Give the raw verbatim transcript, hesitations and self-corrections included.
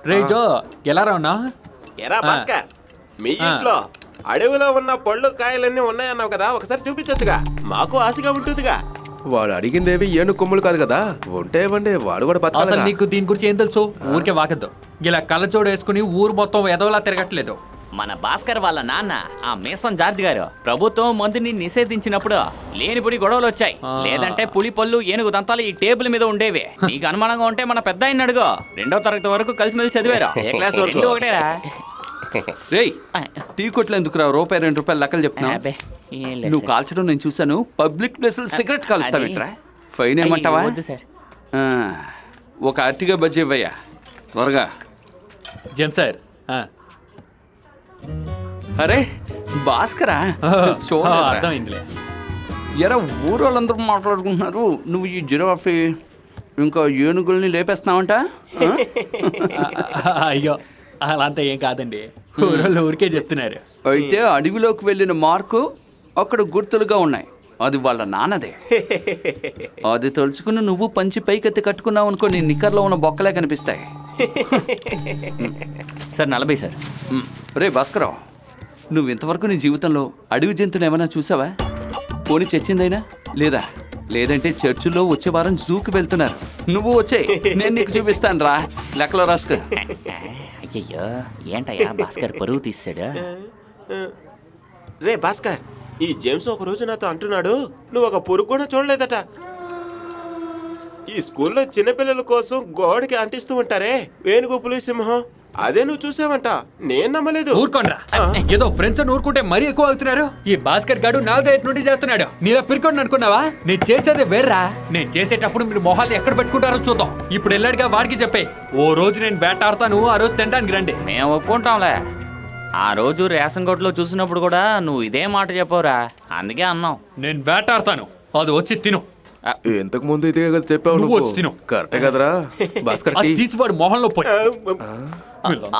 రే జో ఎలా రావునా? ఎరా భాస్కర్, మీ ఇంట్లో అడవిలో ఉన్న పళ్ళు కాయలన్నీ ఉన్నాయన్నావు కదా, ఒకసారి చూపించొచ్చుగా, మాకు ఆశగా ఉంటుందిగా. వాడు అడిగిందేవి ఏను కొమ్ములు కాదు కదా, ఉంటే ఇవ్వండి, వాడు కూడా అసలు బతకాలి. నీకు దీని గురించి ఏం తెలుసు? ఊరికే వాకద్దు. ఇలా కళ్ళజోడు వేసుకుని ఊరు మొత్తం ఎదవలా తిరగట్లేదు. మన భాస్కర్ వాళ్ళ నాన్న ఆ మేసన్ జార్జ్ గారు ప్రభుత్వం మందుని నిషేధించినప్పుడు లేనిపుడి గొడవలు వచ్చాయి. లేదంటే పులి పళ్ళు ఏనుగు దంతాలు ఈ టేబుల్ మీద ఉండేవి. నీకు అనుమానంగా ఉంటే మన పెద్ద ఆయన అడుగు. రెండో తరగతి వరకు కలిసిమెలిసి చదివారు. ఏ క్లాస్ వరకు? రెండు ఒకటేరా. రేయ్, టీ కొట్లు ఎందుకు రా రూపాయి రెండు రూపాయలు లెక్కలు చెప్తున్నావు? అబ్బే, ఏం లేదు నువ్వు సార్. కాల్చడం నేను చూసాను. పబ్లిక్ ప్లేస్ లో సిగరెట్ కాలుస్తావేంట్రా? ఫైన్ ఏమంటావా? అయ్యో, వద్దు సార్. ఆ, ఒక అట్టిగా బజ్జీ ఇవ్వయ్యా త్వరగా. జన్ సార్ ఆ. అరే భాస్కరా, చూడరా. అర్థమైందిలే. ఎరా ఊరు వాళ్ళందరూ మాట్లాడుకుంటున్నారు, నువ్వు ఈ జిరాఫీ ఇంకా ఏనుగుల్ని లేపేస్తున్నావంట? ఆ? అయ్యో అలా అంతా ఏం కాదండి, ఊరోళ్ళు ఊరికే చెప్తున్నారు. అయితే అడవిలోకి వెళ్ళిన మార్కు అక్కడ గుర్తులుగా ఉన్నాయి. అది వాళ్ళ నాన్నదే. అది తలుచుకుని నువ్వు పంచి పైకెత్తి కట్టుకున్నావు అనుకో, నీ నిక్కర్లో ఉన్న బొక్కలే కనిపిస్తాయి. సార్ నలభై సార్. మ్, రే భాస్కరావు, నువ్వు ఇంతవరకు నీ జీవితంలో అడవి జంతువులు ఏమైనా చూసావా? పోనీ చచ్చిందైనా లేదా? లేదంటే చర్చిలో వచ్చే వారం జూకి వెళ్తున్నారు. నువ్వు వచ్చేయ్, నేను నీకు చూపిస్తాను రా. లెక్కలో రాసుకో. అయ్యయ్యో, ఏంటయ్యా భాస్కర్ పరువు తీసాడు. రే భాస్కర్, ఈ జేమ్స్ ఒక రోజు నాతో అంటున్నాడు, నువ్వు ఒక పురుగు కూడా చూడలేదట. ఈ స్కూల్లో చిన్నపిల్లల కోసం గోడకి అంటిస్తూ ఉంటారే వేణుగు పులి సింహం, అదే నువ్వు చూసావంట. నేను నమ్మలేదు. ఊరుకోండ్రా, ఏదో ఫ్రెండ్స్ అని ఊరుకుంటే మరీ ఎక్కువ అవుతున్నారు. ఈ భాస్కర్ గాడు నాలుగైదు నుండి చేస్తున్నాడు. నీలా పిరుకోండి అనుకున్నావా? నేను చేసేది వేర్రా. నేను చేసేటప్పుడు మీరు మొహాలు ఎక్కడ పెట్టుకుంటారో చూద్దాం. ఇప్పుడు వెళ్ళాడుగా వాడికి చెప్పే, ఓ రోజు నేను వేటాడతాను, ఆ రోజు తినడానికి రండి. మేము ఒప్పుకుంటాంలే. ఆ రోజు రేషన్ కొట్లో చూసినప్పుడు కూడా నువ్వు ఇదే మాట చెప్పవురా, అందుకే అన్నాం. నేను వేటాడతాను, అది వచ్చి తిను. ఇంతకు ముందు ఇదే కదా చెప్పావు నువ్వు నువ్వు. వచ్చి తిను. కరెక్టే కదరా భాస్కర్? అది టీ. తీసి వాడు మొహంలో పోయి.